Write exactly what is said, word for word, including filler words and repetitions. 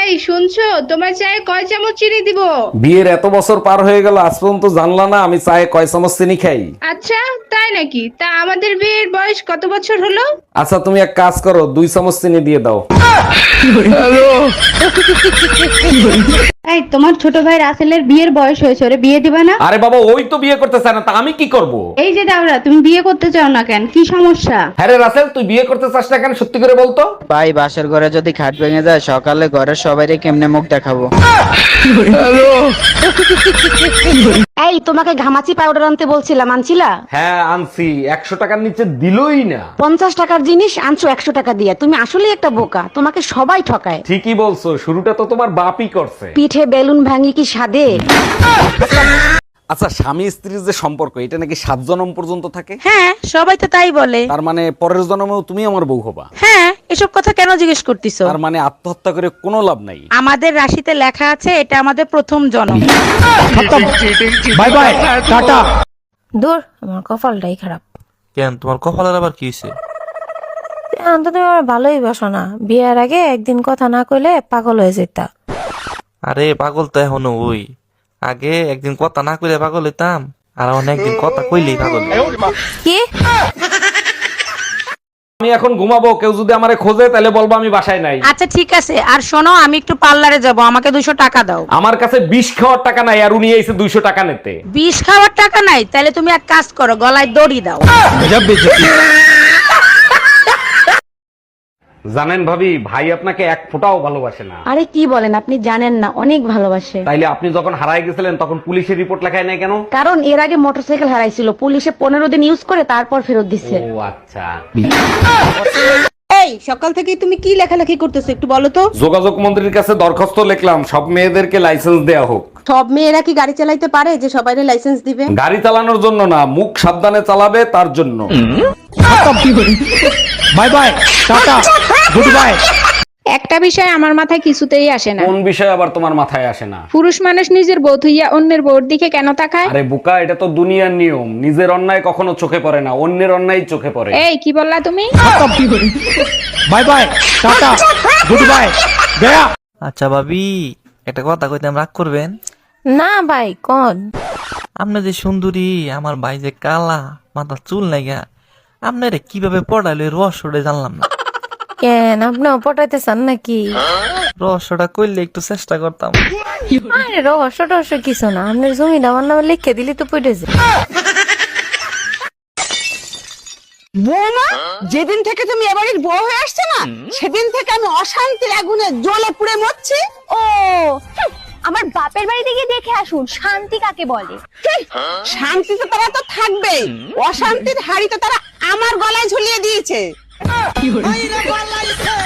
এই শুনছো, তোমার চায়ে কয় চামচ চিনি দিব? বিয়ের এত বছর পার হয়ে গেল, আজ পর্যন্ত জানলা না আমি চায়ে কয় চামচ চিনি খাই? আচ্ছা তাই নাকি? তা আমাদের বিয়ের বয়স কত বছর হলো? আচ্ছা তুমি এক কাজ করো, দুই চামচ চিনি দিয়ে দাও। এই তোমার ছোট ভাই রাসেলের বিয়ের বয়স হয়েছে, ওরে বিয়ে দিবা না? আরে বাবা, ওই তো বিয়ে করতে চায় না, তা আমি কি করব? এই যে দাওরা, তুমি বিয়ে করতে চাও না কেন, কি সমস্যা? হ্যাঁ রে রাসেল, তুই বিয়ে করতে চাস না কেন, সত্যি করে বলতো। ভাই বাসের ঘরে যদি খাট ভেঙে যায়, সকালে ঘরের সবাইরে কেমনে মুখ দেখাবো? এই তোমাকে ঘামাচি পাউডার আনতে বলছিলাম, আনছিলা? হ্যাঁ আনছি, একশো টাকার নিচে দিলই না। পঞ্চাশ টাকার জিনিস আনছো একশো টাকা দিয়ে। তুমি আসলেই একটা বোকা, তোমাকে সবাই ঠকায়। ঠিকই বলছো, শুরুটা তো তোমার বাপই করছে। পিঠে বেলুন ভাঙি কি সাদে? আচ্ছা, স্বামী স্ত্রীর যে সম্পর্ক, এটা নাকি সাত জন্ম পর্যন্ত থাকে? হ্যাঁ, সবাই তো তাই বলে। তার মানে পরের জন্মেও তুমি আমার বউ হবা? হ্যাঁ, এসব কথা কেন জিজ্ঞেস করতিছো? তার মানে আত্মহত্যা করে কোনো লাভ নাই। আমাদের রাশিতে লেখা আছে এটা আমাদের প্রথম জন্ম। Bye bye, tata. দূর, আমার কপালটাই খারাপ। কেন, তোমার কপালের আবার কি হয়েছে? এখন তো তুমি আমার ভালোই বাসো না, বিয়ের আগে একদিন কথা না কইলে পাগল হয়ে যেতা। আরে পাগল তো এখনো ওই, আগে একদিন কথা না কইলে পাগল হইতাম, আর এখন একদিন কথা কইলেই পাগল হই। কি? আমি এখন ঘুমাবো, কেউ যদি আমারে খোঁজে তাহলে বলবো আমি বাসায় নাই। আচ্ছা ঠিক আছে, আর শোনো, আমি একটু পার্লারে যাব, আমাকে দুশো টাকা দাও। আমার কাছে বিষ খাওয়ার টাকা নাই, আর উনি এসে দুইশো টাকা নিতে। বিষ খাওয়ার টাকা নাই? তাহলে তুমি এক কাজ করো, গলায় দড়ি দাও। জানেন ভাবি, ভাই আপনাকে এক ফোঁটাও ভালোবাসে না। আরে কি বলেন, আপনি জানেন না, অনেক ভালোবাসে। তাইলে আপনি যখন হারায় গেছিলেন তখন পুলিশের রিপোর্ট লেখায় নাই কেন? কারণ এর আগে মোটরসাইকেল হারাইছিল, পুলিশে পনেরো দিন ইউজ করে তারপর ফেরত দিচ্ছে। ও আচ্ছা। এই সকাল থেকে তুমি কি লেখালেখি করতেছো একটু বলো তো? যোগাযোগ মন্ত্রীর কাছে দরখাস্ত লিখলাম, সব মেয়েদেরকে লাইসেন্স দেয়া হোক। সব মেয়েরা কি গাড়ি চালাইতে পারে যে সবাইরে লাইসেন্স দিবে? গাড়ি চালানোর জন্য না, মুখ সাবধানে চালাবে তার জন্য। Bye bye, tata, goodbye. একটা বিষয় আমার মাথায় কিছুতেই আসে না। কোন বিষয় আবার তোমার মাথায় আসে না? পুরুষ মানুষ নিজের বউ থইয়া অন্যের বউর দিকে কেন তাকায়? আরে বোকা, এটা তো দুনিয়ার নিয়ম। নিজের অন্যায় কখনো চোখে পড়ে না, অন্যের অন্যায় চোখে পড়ে। এই কি বললা তুমি? Bye bye, tata, goodbye, গয়া। আচ্ছা ভাবি, একটা কথা কইতাম, রাগ করবেন? না ভাই, কোন? আপনি যে সুন্দরী, আমার ভাই যে কালা, মাথা চুল নাইগা, আপনারে কিভাবে পড়াইলো এই রহস্যটা জানলাম না। কেন, আপনিও পটাইতে চান নাকি? রহস্যটা কইলে একটু চেষ্টা করতাম। আরে রহস্য টহস্য কিছু না, আপনার জমিটা আমার নামে লিখে দিলি তো পড়ে যায়। বৌমা, যেদিন থেকে তুমি এবাড়ির বউ হয়ে আসছে না, সেদিন থেকে আমি অশান্তির আগুনে জ্বলে পুড়ে মরছি। ও আমার বাপের বাড়িতে গিয়ে দেখে আসুন শান্তি কাকে বলে। শান্তি তো তারা তো থাকবেই, অশান্তির হাড়ি তো তারা আমার গলায় ঝুলিয়ে দিয়েছে।